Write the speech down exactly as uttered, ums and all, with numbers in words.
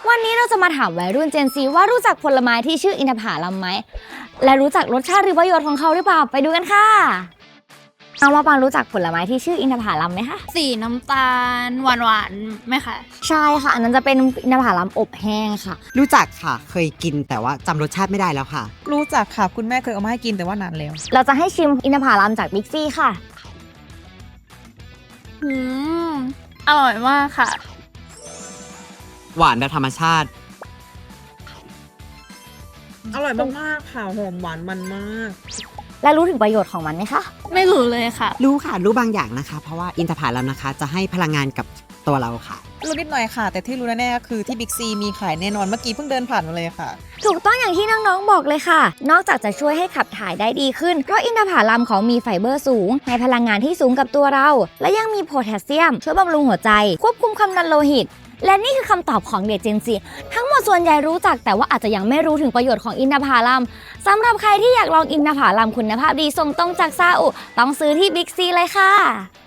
วันนี้เราจะมาถามวัยรุ่น Gen Z ว่ารู้จักผลไม้ที่ชื่ออินทผลัมไหมและรู้จักรสชาติหรือประโยชน์ของเขาหรือเปล่าไปดูกันค่ะน้องมะปรางรู้จักผลไม้ที่ชื่ออินทผลัมไหมคะสีน้ำตาลหวานๆไหมคะใช่ค่ะอันนั้นจะเป็นอินทผลัมอบแห้งค่ะรู้จักค่ะเคยกินแต่ว่าจำรสชาติไม่ได้แล้วค่ะรู้จักค่ะคุณแม่เคยเอามาให้กินแต่ว่านานแล้วเราจะให้ชิมอินทผลัมจากบิ๊กซี่ค่ะอืมอร่อยมากค่ะหวานแบบธรรมชาติอร่อยมากๆค่ะหอมหวานมันมากและรู้ถึงประโยชน์ของมันไหมคะไม่รู้เลยค่ะรู้ค่ะรู้บางอย่างนะคะเพราะว่าอินทผลัมนะคะจะให้พลังงานกับตัวเราค่ะรู้นิดหน่อยค่ะแต่ที่รู้แน่ๆก็คือที่บิ๊กซีมีขายแน่นอนเมื่อกี้เพิ่งเดินผ่านมาเลยค่ะถูกต้องอย่างที่น้องๆบอกเลยค่ะนอกจากจะช่วยให้ขับถ่ายได้ดีขึ้นเพราะอินทผลัมเขามีไฟเบอร์สูงให้พลังงานที่สูงกับตัวเราและยังมีโพแทสเซียมช่วยบำรุงหัวใจควบคุมความดันโลหิตและนี่คือคำตอบของเด็ก Gen Z ทั้งหมดส่วนใหญ่รู้จักแต่ว่าอาจจะยังไม่รู้ถึงประโยชน์ของอินทผลัมสำหรับใครที่อยากลองอินทผลัมคุณภาพดีส่งตรงจากซาอุต้องซื้อที่บิ๊กซีเลยค่ะ